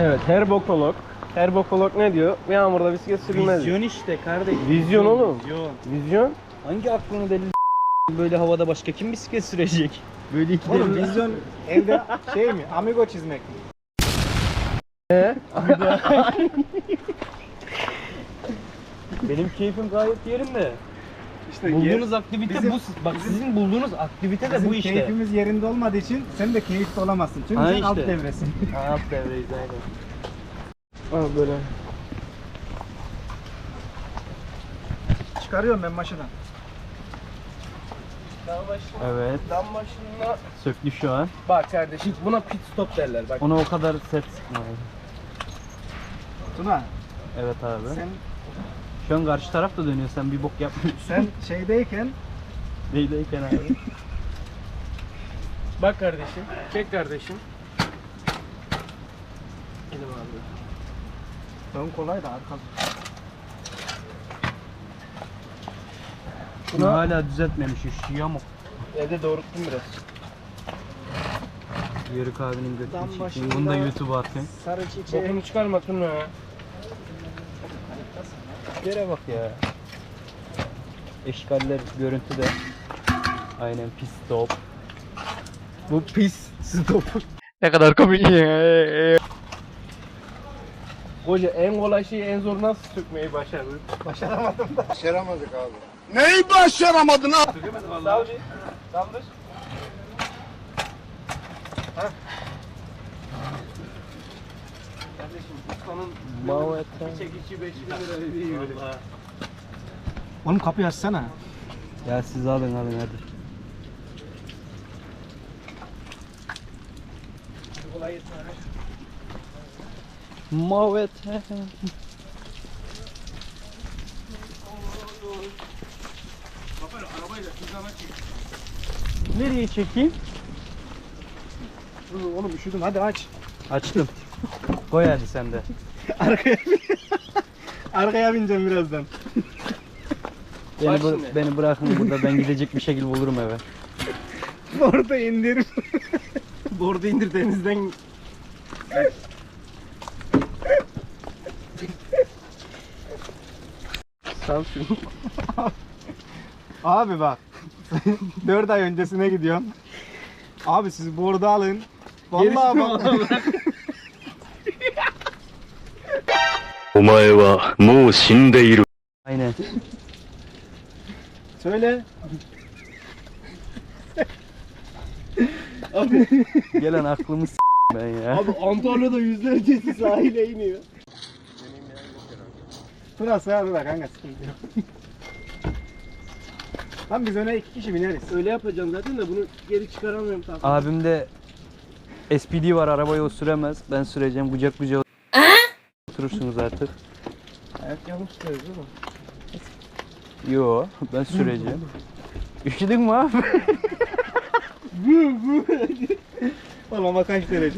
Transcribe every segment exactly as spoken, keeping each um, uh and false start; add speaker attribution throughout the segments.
Speaker 1: Evet, her bokolog. Her bokolog ne diyor? Yağmurda bisiklet sürülmez.
Speaker 2: Vizyon işte kardeşim.
Speaker 1: Vizyon oğlum.
Speaker 2: Vizyon.
Speaker 1: Vizyon.
Speaker 2: Hangi aklını deli böyle havada başka kim bisiklet sürecek? Böyle iki
Speaker 3: Oğlum
Speaker 2: deli-
Speaker 3: vizyon evde şey mi? Amigo çizmek mi?
Speaker 1: He?
Speaker 2: Benim keyfim gayet yerinde.
Speaker 3: İşte
Speaker 2: Bulduğunuz aktivite
Speaker 3: bizim-
Speaker 2: bu. Bak sizin bulduğunuz aktivite de
Speaker 3: Bizim
Speaker 2: bu işte.
Speaker 3: keyfimiz yerinde olmadığı için sen de keyifli olamazsın. Çünkü
Speaker 2: Ha
Speaker 3: sen
Speaker 2: işte.
Speaker 3: alt devresin.
Speaker 2: Ha, alt devreyiz aynen.
Speaker 1: Al böyle.
Speaker 3: Çıkarıyorum ben maşadan.
Speaker 1: Dağ başına,
Speaker 2: Evet.
Speaker 1: dam başına.
Speaker 2: Söktü şu an.
Speaker 1: Bak kardeşim, buna pit stop derler. Bak.
Speaker 2: Ona o kadar sert sıkmayın.
Speaker 3: Tuna
Speaker 2: Evet abi.
Speaker 3: sen
Speaker 2: Şu an karşı taraf da dönüyor. Sen bir bok yapmıyorsun.
Speaker 3: sen şeydeyken
Speaker 2: Neydeyken abi?
Speaker 1: Bak kardeşim, çek kardeşim. Elim abi.
Speaker 3: ön kolay da arka.
Speaker 2: Bunu hala düzeltmemiş. Şu yamuk.
Speaker 1: Evde doğrulttum biraz.
Speaker 2: Yörük abinin
Speaker 3: Dam
Speaker 2: götünü çekeyim.
Speaker 3: başında-
Speaker 2: Bunu da YouTube'a atayım.
Speaker 3: Sarı çiçeği.
Speaker 1: Bokunu çıkarma Tuna.
Speaker 2: Yere bak ya. Eşkaller görüntüde. Aynen pis stop. Bu pis stop. Ne kadar komik ya.
Speaker 1: Hoca en kolay şeyi en zor nasıl sökmeyi başardın?
Speaker 3: Başaramadım da.
Speaker 4: Başaramadık abi. Neyi başaramadın abi?
Speaker 1: Sökemedim vallahi. Sal bir. Saldır. Heh. Kardeşim ustanın
Speaker 2: Mavet.
Speaker 1: bir çekici beş bin lira dediği gibi. Vallahi.
Speaker 3: Oğlum kapıyı açsana.
Speaker 2: Ya siz alın alın hadi.
Speaker 1: Kolay gelsin abi.
Speaker 2: Mavet.
Speaker 1: Baba arabayla hızlana çek.
Speaker 2: Nereye çekeyim?
Speaker 3: Dur oğlum üşüdüm hadi aç.
Speaker 2: Açtım. Koy hadi sen de.
Speaker 3: Arkaya Arkaya bineceğim birazdan.
Speaker 2: Beni,
Speaker 1: Bak
Speaker 2: bı-
Speaker 1: şimdi.
Speaker 2: beni bırakın burada, ben gidecek bir şekilde bulurum eve.
Speaker 3: Orada indirim.
Speaker 1: Bordu indir denizden. Sal şunu.
Speaker 3: Abi bak. dört ay öncesine gidiyorum. Abi siz bordu alın. Vallahi bak.
Speaker 5: お前はもう死んでいる。
Speaker 2: Aynen.
Speaker 3: Söyle.
Speaker 2: Gelen aklımı s*** ben ya.
Speaker 1: Abi Antalya'da yüzlercesi sahile iniyor.
Speaker 3: Tuna sığar da kanka sıkıntı yok. Lan biz öne iki kişi bineriz.
Speaker 1: Öyle yapacağım zaten de bunu geri çıkaramıyorum tabii.
Speaker 2: Abimde S P D var, arabayı o süremez. Ben süreceğim, kucak kucağa oturursunuz artık.
Speaker 1: Ayak yanlış tutuyoruz değil mi?
Speaker 2: Yo, ben süreceğim. Üşüdün mü abi?
Speaker 3: Oğlum ama kaç derece?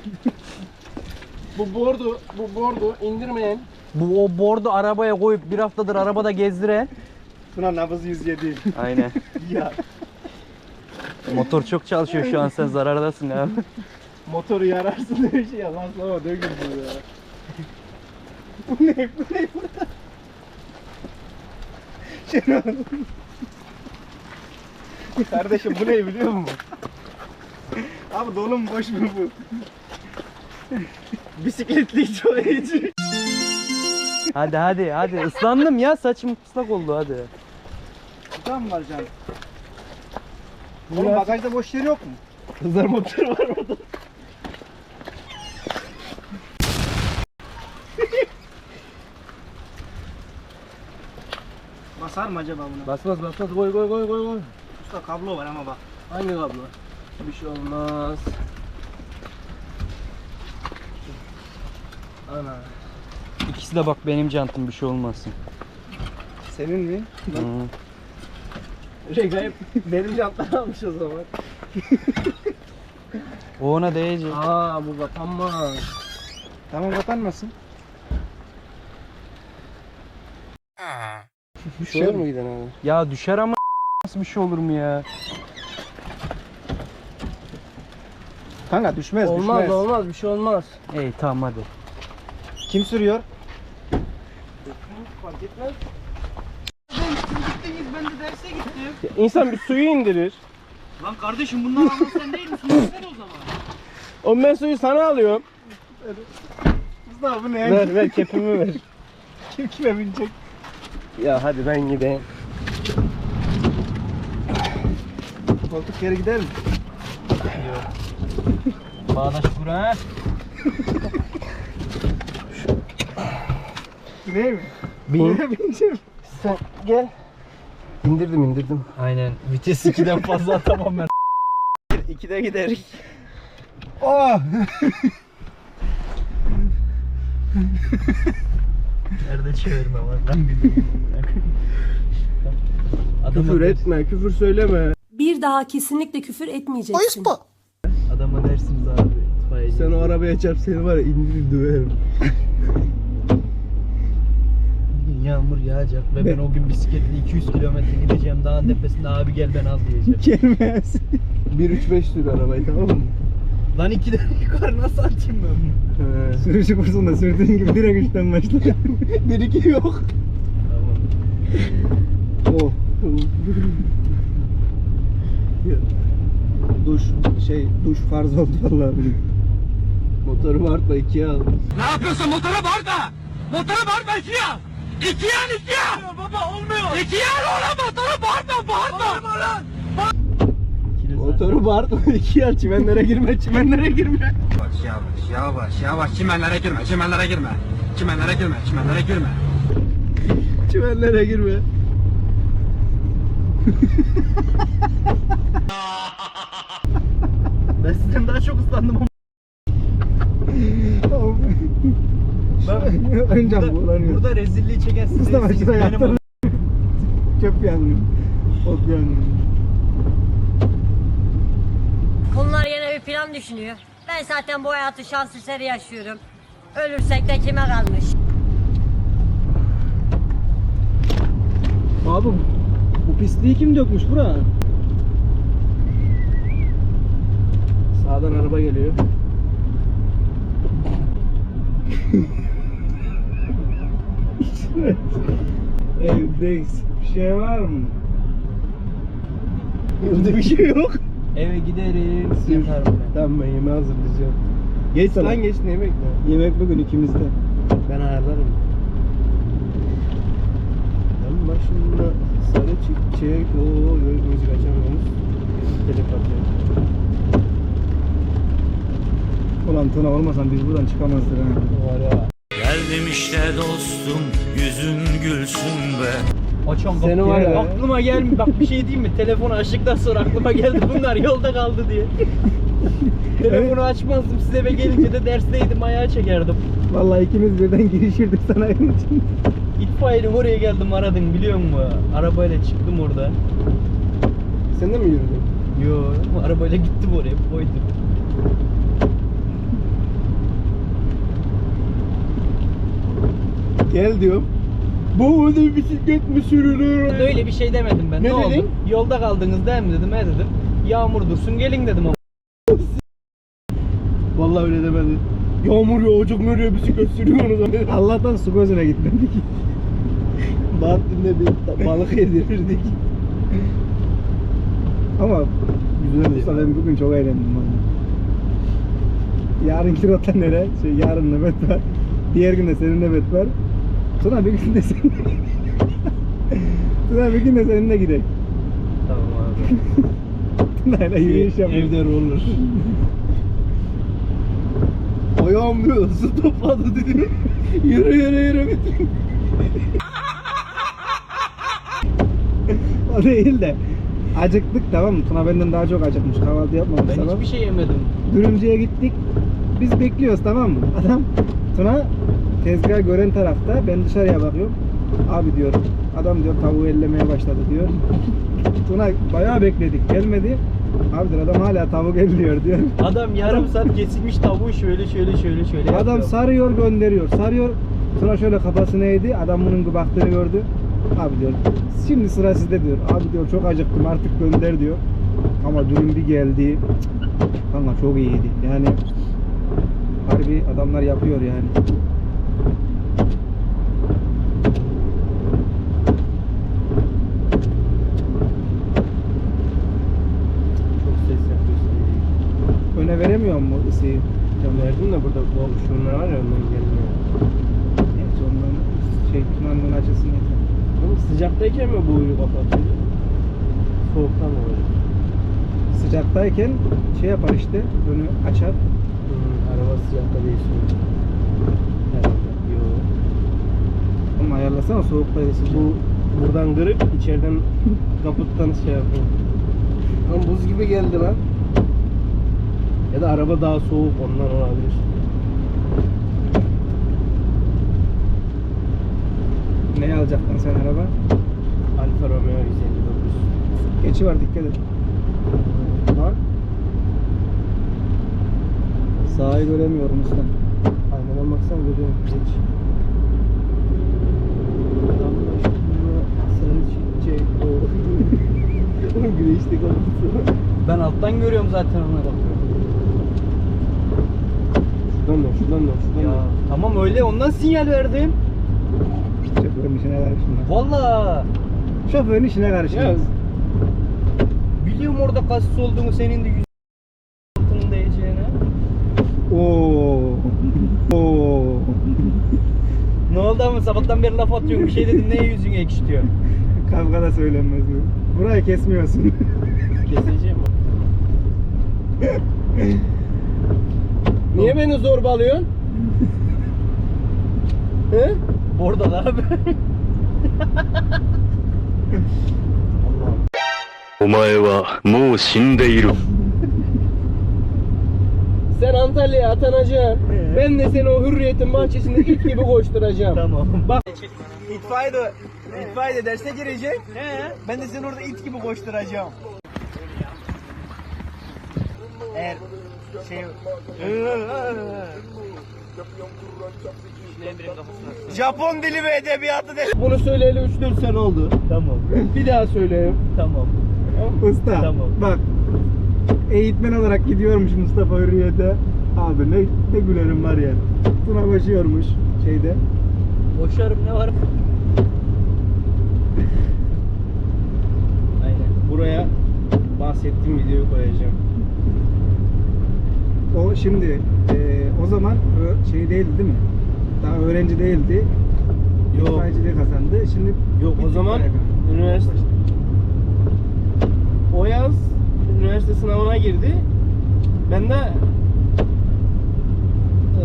Speaker 1: Bu bordu, bu bordu indirmeyen
Speaker 2: Bu o bordu arabaya koyup bir haftadır arabada gezdiren.
Speaker 3: Tuna nabız yüz yedi.
Speaker 2: Aynen.
Speaker 3: Ya
Speaker 2: Motor çok çalışıyor şu an, sen zarardasın abi.
Speaker 3: motoru yararsın diye şey yalan sonra dökül bu ya. Bu ne? Bu ne burada? Şenol. Kardeşim bu ne biliyor musun? Abi dolu mu boş mu bu? Bisikletli çoğayıcı.
Speaker 2: Hadi hadi hadi, ıslandım ya, saçım ıslak oldu hadi.
Speaker 3: Tutan mı var canım? Oğlum bagajda boş yer yok mu?
Speaker 1: kızlar motoru var orada.
Speaker 3: Basar mı acaba buna?
Speaker 1: Basmaz basmaz koy koy koy koy koy.
Speaker 3: Usta kablo var ama bak.
Speaker 1: Hangi kablo? Bir şey olmaz. Ana.
Speaker 2: İkisi de bak benim jantım, bir şey olmasın.
Speaker 3: Senin mi?
Speaker 2: Hı.
Speaker 1: Regaip benim jantlar almış o zaman.
Speaker 2: O ona değecek.
Speaker 1: Aa bu kapanmaz.
Speaker 3: Tamam kapanmasın.
Speaker 1: Bir şey olur mu giden abi?
Speaker 2: Ya düşer ama nasıl bir şey olur mu ya?
Speaker 3: Kanka düşmez
Speaker 1: Olmaz
Speaker 3: düşmez.
Speaker 1: olmaz bir şey olmaz.
Speaker 2: İyi tamam hadi.
Speaker 3: Kim sürüyor?
Speaker 1: Fark etmez. Ya İnsan bir suyu indirir.
Speaker 2: Lan kardeşim bundan anlasan sen değil misin? Ver o zaman.
Speaker 1: O ben suyu sana alıyorum.
Speaker 3: Mustafa bu ne?
Speaker 1: Ver ver kepimi ver.
Speaker 3: Kim kime binecek?
Speaker 1: Ya hadi ben gideyim.
Speaker 3: Koltuk geri gider mi?
Speaker 2: Bağdaş Kur'an.
Speaker 3: Ne mi?
Speaker 1: Bin.
Speaker 3: Neye bineceğim?
Speaker 1: Sen gel. İndirdim indirdim.
Speaker 2: Aynen. Vites ikiden fazla atamam ben.
Speaker 1: İkide giderik.
Speaker 3: Oh!
Speaker 2: Nerede çevirme var lan bilmiyorum.
Speaker 1: Küfür etme, küfür söyleme.
Speaker 6: Bir daha kesinlikle küfür etmeyeceksin.
Speaker 2: Adama dersiniz abi. İtfaiyeci.
Speaker 1: Sen o arabaya çarp seni var ya indirir döverim.
Speaker 2: Bugün yağmur yağacak ve ben o gün bisikletle iki yüz kilometre gideceğim. Dağın tepesinde abi gel ben al diyeceğim.
Speaker 3: Gelmez.
Speaker 1: bir üç beş sür arabayı tamam mı?
Speaker 2: Lan ikiden yukarı nasıl atayım ben bunu?
Speaker 1: He.
Speaker 3: Sürücü kursunda sürdüğün gibi direkt üçten başla. Bir iki yok.
Speaker 2: Tamam.
Speaker 1: Oh.
Speaker 3: Duş şey duş farz oldu vallahi benim.
Speaker 1: Motoru bağırtma ikiye al.
Speaker 4: Ne yapıyorsun motora bağırma. Motora bağırma ikiye al. İkiye al ikiye al. Baba olmuyor. İkiye al oğlum motora bağırma bağırma. Bağırma lan.
Speaker 1: Motoru bağırtma ikiye al. Çimenlere girme, çimenlere girme.
Speaker 4: Yavaş yavaş yavaş yavaş çimenlere girme çimenlere girme. Çimenlere girme çimenlere girme.
Speaker 1: Çimenlere girme.
Speaker 2: Ben sizden daha çok ıslandım ama.
Speaker 3: Önce
Speaker 2: Burada,
Speaker 3: bulanıyor.
Speaker 2: burada rezilliği çeken siz
Speaker 3: Mustafa
Speaker 2: değilsiniz,
Speaker 3: şurada
Speaker 2: benim
Speaker 3: yaptın. Çöp yangın. Ot yangın.
Speaker 7: Bunlar yine bir plan düşünüyor. Ben zaten bu hayatı şans eseri yaşıyorum. Ölürsek de kime kalmış?
Speaker 3: Abi bu pisliği kim dökmüş bura?
Speaker 1: Sağdan araba geliyor.
Speaker 3: Evdeyiz. Bir şey var mı? Evde bir şey yok.
Speaker 2: Eve gideriz yatarım ben.
Speaker 1: Tamam ben yemeği hazırlayacağım. Geç
Speaker 3: Tamam.
Speaker 1: lan geç ne yemek ne?
Speaker 3: Yemek bugün ikimizde.
Speaker 1: Ben ayarlarım. Yanın başında sarı çiçek o müzik açamıyoruz. Telef atıyor.
Speaker 3: Ulan Tuna olmasan biz buradan çıkamazdık ha.
Speaker 1: Var ya.
Speaker 5: Geldim işte dostum, yüzün gülsün be.
Speaker 2: Açan
Speaker 1: Seni
Speaker 2: kapıyı.
Speaker 1: var ya.
Speaker 2: Aklıma gelmi bak bir şey diyeyim mi? Telefonu açtıktan sonra aklıma geldi bunlar yolda kaldı diye. Telefonu açmazdım size eve gelince de dersteydim ayağa çekerdim.
Speaker 3: Vallahi ikimiz birden girişirdik sana evin için.
Speaker 2: İtfaiyenin oraya geldim aradım biliyor musun? Arabayla çıktım orada.
Speaker 1: Sen de mi yürüdün?
Speaker 2: Yo arabayla gittim oraya koydum.
Speaker 1: Gel diyorum. Bu öyle bisiklet mi sürülür?
Speaker 2: Öyle bir şey demedim ben.
Speaker 1: Ne
Speaker 2: Ne, oldu?
Speaker 1: dedin?
Speaker 2: Yolda kaldınız değil mi dedim. He dedim. Yağmur dursun gelin dedim ama.
Speaker 1: Vallahi öyle demedi. Yağmur yağacak nereye bisiklet sürüyorsunuz?
Speaker 3: Allah'tan su gözüne gitmedik.
Speaker 1: Bahattin'de bir balık yedirirdik.
Speaker 3: Ama güzel olsa ben bugün çok eğlendim valla. Yarın kirota nere? Şey, yarın nöbet var. Diğer gün de senin nöbet var. Tuna bir gün de senin. Tuna bir gün de seninle gidelim.
Speaker 2: Tamam abi.
Speaker 3: Tuna'yla yürüyüş yapıyoruz.
Speaker 1: Evde olur. Ayağım diyor, su topladı dedi. Yürü yürü yürü bitti.
Speaker 3: O değil de acıktık tamam mı? Tuna benden daha çok acıkmış. Kahvaltı yapmamış
Speaker 2: Ben
Speaker 3: sabah.
Speaker 2: hiçbir şey yemedim.
Speaker 3: Dürümcüye gittik. Biz bekliyoruz tamam mı? Adam Tuna tezgahı gören tarafta. Ben dışarıya bakıyorum. Abi diyor. Adam diyor tavuğu ellemeye başladı diyor. Tuna bayağı bekledik. Gelmedi. Abi diyor adam hala tavuk elliyor diyor.
Speaker 2: Adam yarım saat kesilmiş tavuğu şöyle şöyle şöyle şöyle
Speaker 3: Adam
Speaker 2: yapıyor.
Speaker 3: sarıyor gönderiyor. Sarıyor. Tuna şöyle kafasını eğdi. Adam bunun baktığını gördü. Abi diyor. Şimdi sıra sizde diyor. Abi diyor çok acıktım artık gönder diyor. Ama dürüm bir geldi. Kanka çok iyiydi. Yani harbi adamlar yapıyor yani.
Speaker 1: Çok ses yapıyorsun.
Speaker 3: Öne veremiyor mu ısıyı?
Speaker 1: Ya verdim de burada bu şunlar var ya ondan gelmiyor.
Speaker 3: Neyse ondan şey kumandın açılsın yeter.
Speaker 1: Oğlum sıcaktayken mi bu uyu kapatıyor? Soğuktan mı böyle?
Speaker 3: Sıcaktayken şey yapar işte, önü açar.
Speaker 1: Hmm, araba sıcakta değişiyor. Herhalde. Yo.
Speaker 3: Ama ayarlasana soğukta sıcak.
Speaker 1: Bu buradan kırıp içeriden kaputtan şey yapıyor. Lan buz gibi geldi lan. Ya da araba daha soğuk ondan olabilir.
Speaker 3: Ne alacaktın sen araba?
Speaker 1: Alfa Romeo yüz elli dokuz.
Speaker 3: Geçi var, dikkat et.
Speaker 1: Lan
Speaker 3: Sağı göremiyorum usta.
Speaker 1: aynadan baksana görüyorum. Geç. Allah aşkına sarı çiçek o. Oğlum güneşte kalmışsın.
Speaker 2: Ben alttan görüyorum zaten ona bakıyorum.
Speaker 1: Şuradan dön, şuradan dön, şuradan
Speaker 2: Ya
Speaker 1: dön.
Speaker 2: tamam öyle ondan sinyal verdim.
Speaker 3: Şoförün işine karışma.
Speaker 2: Valla
Speaker 3: Şoförün işine karışma.
Speaker 1: Ya
Speaker 2: biliyorum orada kasis olduğunu, senin de yüz altının değeceğine.
Speaker 3: Oo. Oo.
Speaker 2: Ne oldu ama sabahtan beri laf atıyorum, bir şey dedim, neye yüzünü ekşitiyor?
Speaker 3: Kavga da söylenmez mi? Burayı kesmiyorsun.
Speaker 1: keseceğim. Niye beni zorbalıyorsun? He?
Speaker 2: Orada da abi.
Speaker 1: Allah'ım.
Speaker 5: お前はもう死んでいる。
Speaker 1: Sen Antalya'ya atanacaksın. Ben de seni o Hürriyet'in bahçesinde it gibi koşturacağım.
Speaker 2: Tamam.
Speaker 1: Bak
Speaker 2: İtfaiye de, itfaiye de derse girecek. He. Ben de seni orada it gibi koşturacağım. Eğer şey... Japon dili ve edebiyatı de...
Speaker 1: bunu söyleyeli üç dört sene oldu.
Speaker 2: Tamam.
Speaker 1: Bir daha söyleyeyim.
Speaker 2: Tamam.
Speaker 3: Usta
Speaker 2: Tamam.
Speaker 3: bak, eğitmen olarak gidiyormuş Mustafa Hürriyet'e. Abi ne, ne gülerim var ya. Tuna koşuyormuş şeyde.
Speaker 2: Boşarım, ne var? Aynen.
Speaker 1: Buraya bahsettiğim videoyu koyacağım.
Speaker 3: O şimdi e, o zaman ö- şey değildi değil mi? Daha öğrenci değildi.
Speaker 1: Yok.
Speaker 3: İtfaiyeciliği kazandı. Şimdi
Speaker 1: Yok o
Speaker 3: bitti
Speaker 1: zaman
Speaker 3: bayağı.
Speaker 1: üniversite o yaz üniversite sınavına girdi. Ben de eee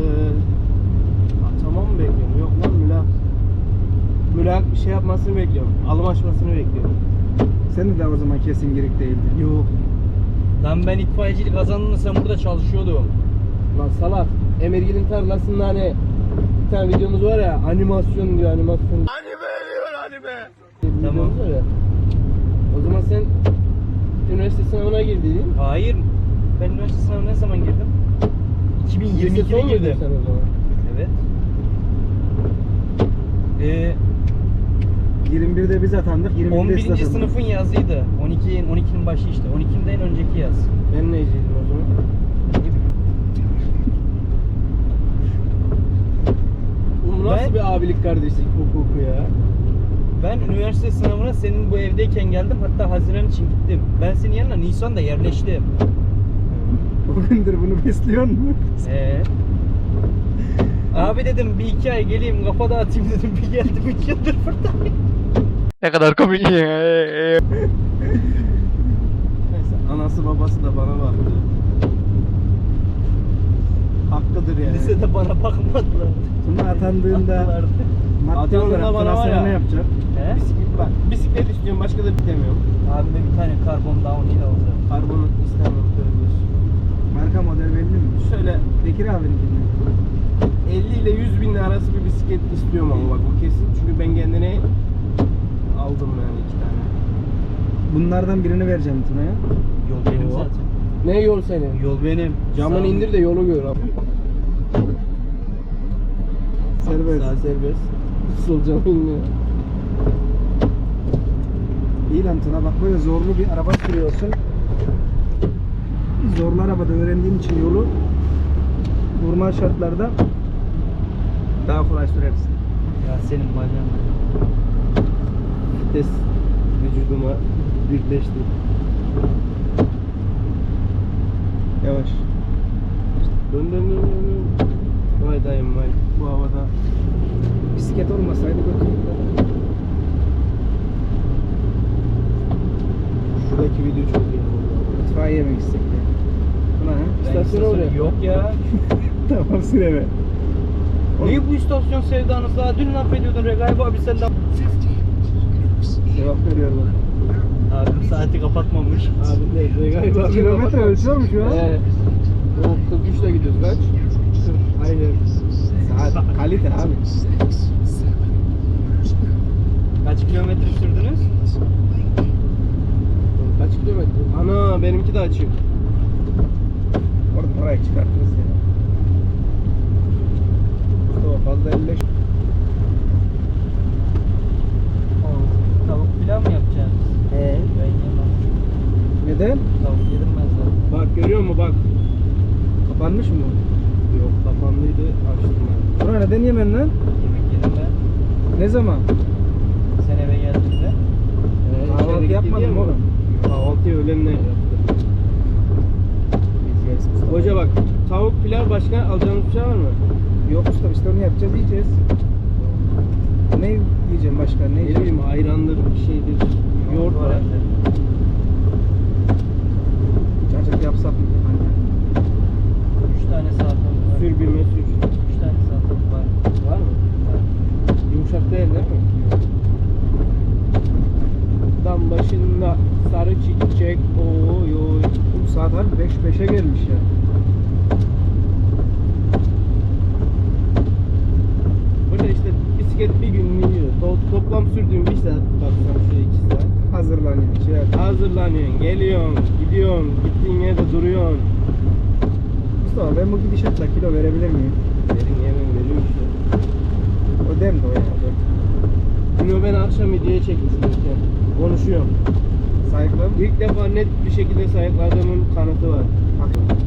Speaker 1: tamam mı bekliyorum? Yok lan mülak. Mülak bir şey yapmasını bekliyorum. Alım açmasını bekliyorum.
Speaker 3: Sen de daha o zaman kesin girik değildin.
Speaker 1: Yok.
Speaker 2: Lan ben itfaiyecilik kazandığında sen burada çalışıyordun.
Speaker 1: Lan salak. Emirgil'in tarlasında hani bir tane videomuz var ya, animasyon diyor, animasyon. Anime diyor, anime.
Speaker 2: Tamam.
Speaker 1: Videomuz var ya. O zaman sen üniversite sınavına girdiydin.
Speaker 2: Hayır. Ben üniversite sınavına ne zaman girdim? iki bin yirmi
Speaker 1: Lise
Speaker 2: ikide
Speaker 1: son muydun
Speaker 2: girdim.
Speaker 1: sen o zaman?
Speaker 2: Evet. Ee,
Speaker 3: yirmi birde biz atandık. yirmi birde
Speaker 2: on
Speaker 3: siz
Speaker 2: birinci
Speaker 3: atandınız.
Speaker 2: sınıfın yazıydı. on iki on ikinin başı işte. on ikiden önceki yaz.
Speaker 1: Ben neyciydim o zaman? Oğlum nasıl
Speaker 2: Ben-
Speaker 1: bir abilik kardeşlik hukuku ya?
Speaker 2: Ben üniversite sınavına senin bu evdeyken geldim. Hatta Haziran için gittim. Ben senin yanına Nisan'da yerleştim.
Speaker 3: Bugündür bunu besliyor mu?
Speaker 2: Ee. Abi dedim bir iki ay geleyim kafa dağıtayım dedim. Bir geldim üç yıldır buradayım.
Speaker 5: Ne kadar komik ya.
Speaker 1: Neyse anası babası da bana baktı. Hakkıdır yani.
Speaker 2: Lisede bana bakmadılar.
Speaker 3: Tuna atandığında
Speaker 2: Baktılardı.
Speaker 3: maddi
Speaker 1: Atandığında
Speaker 3: olarak
Speaker 1: bana
Speaker 3: Tuna
Speaker 1: var
Speaker 3: sana
Speaker 1: ya.
Speaker 3: ne yapacak?
Speaker 2: He?
Speaker 1: Bisiklet, bak, bisiklet istiyorum başka da bitemiyorum.
Speaker 2: Abime bir tane karbon downhill alacağım.
Speaker 1: Karbon istemem tövbe.
Speaker 3: Marka model belli mi?
Speaker 1: Şöyle
Speaker 3: Bekir abininkinde.
Speaker 1: elli ile yüz bin arası bir bisiklet istiyorum ama bak o kesin. Çünkü ben kendine aldım yani iki tane.
Speaker 3: Bunlardan birini vereceğim Tuna'ya.
Speaker 2: Yol benim
Speaker 1: Oo.
Speaker 2: zaten.
Speaker 1: Ne yol senin?
Speaker 2: Yol benim.
Speaker 1: Camını
Speaker 2: Sağ-
Speaker 1: indir de yolu gör abi.
Speaker 3: Serbest.
Speaker 1: Sağ serbest. Sol camı indir.
Speaker 3: İyi lan Tuna, bak böyle zorlu bir araba sürüyorsun. Zorlu arabada öğrendiğin için yolu normal şartlarda daha kolay sürersin.
Speaker 2: Ya senin bacağın.
Speaker 1: Vites vücuduma birleşti.
Speaker 3: Yavaş.
Speaker 1: Dön dön dön dön. dön. Vay dayım vay. Bu havada.
Speaker 3: Bisiklet olmasaydı götürürdü.
Speaker 1: Şuradaki video çok iyi.
Speaker 3: Mutfağa yemek istek ya. Tuna ha?
Speaker 1: İstasyona oraya.
Speaker 2: Yok ya.
Speaker 3: Tamam süre ver.
Speaker 2: Niye bu istasyon sevdanız daha? Dün laf ediyordun Regaip abi sen de.
Speaker 3: Cevap veriyor bak.
Speaker 2: Abim saati kapatmamış.
Speaker 1: Abi ne? Regaip abi.
Speaker 3: Kilometre ölçüyor mu şu an?
Speaker 1: Ee, o kırk üçle gidiyoruz kaç? Aynen.
Speaker 3: Saat kalite abi.
Speaker 2: Kaç kilometre sürdünüz?
Speaker 1: Kaç kilometre? Ana benimki de açık.
Speaker 3: Oradan oraya çıkartırız ya. Mustafa fazla elleş.
Speaker 2: Tavuk pilav mı yapacaksınız?
Speaker 1: He.
Speaker 2: Ben yemem.
Speaker 3: Neden?
Speaker 2: Tavuk yedim ben zaten.
Speaker 1: Bak görüyor musun bak.
Speaker 3: Kapanmış mı bu?
Speaker 1: Yok kapandıydı açtım ben.
Speaker 3: Tuna neden yemen lan?
Speaker 2: Yemek yedim ben.
Speaker 3: Ne zaman?
Speaker 2: Sen eve geldiğinde.
Speaker 1: Ee,
Speaker 3: Kahvaltı
Speaker 1: içeri gitti
Speaker 3: yapmadın
Speaker 1: diye
Speaker 3: mı
Speaker 1: mi?
Speaker 3: oğlum?
Speaker 1: Kahvaltıyı öğlenle yaptım. Hoca bak tavuk pilav başka alacağımız bir şey var mı?
Speaker 3: Yok usta, işte onu yapacağız, yiyeceğiz. Ne yiyeceğim başka? Ne
Speaker 1: Ne
Speaker 3: yiyeceğim?
Speaker 1: bileyim ayrandır bir şeydir. Yoğurt var.
Speaker 3: Cacık yapsak mı? Anne.
Speaker 2: Üç tane salatamız var.
Speaker 1: Sür bir mesür.
Speaker 2: Üç tane salatamız var.
Speaker 1: Var mı?
Speaker 2: Var.
Speaker 1: Yumuşak değil değil mi? Dam başında sarı çiçek oy oy.
Speaker 3: Bu saat harbi beş beşe gelmiş ya.
Speaker 1: Burada işte bisiklet bir gün iniyor. To- toplam sürdüğüm bir saat baksam şöyle iki saat.
Speaker 3: Hazırlanıyor. Şey yap.
Speaker 1: Hazırlanıyorsun, geliyorsun, gidiyorsun, gittiğin yerde duruyorsun.
Speaker 3: Mustafa ben bu gidişatla kilo verebilir miyim?
Speaker 1: Verin yemin veriyor işte.
Speaker 3: O dem de o ya.
Speaker 1: Bunu ben akşam videoya çekmiştim. işte. Konuşuyorum.
Speaker 3: Sayıklarım.
Speaker 1: İlk defa net bir şekilde sayıkladığımın kanıtı var.
Speaker 3: Bak.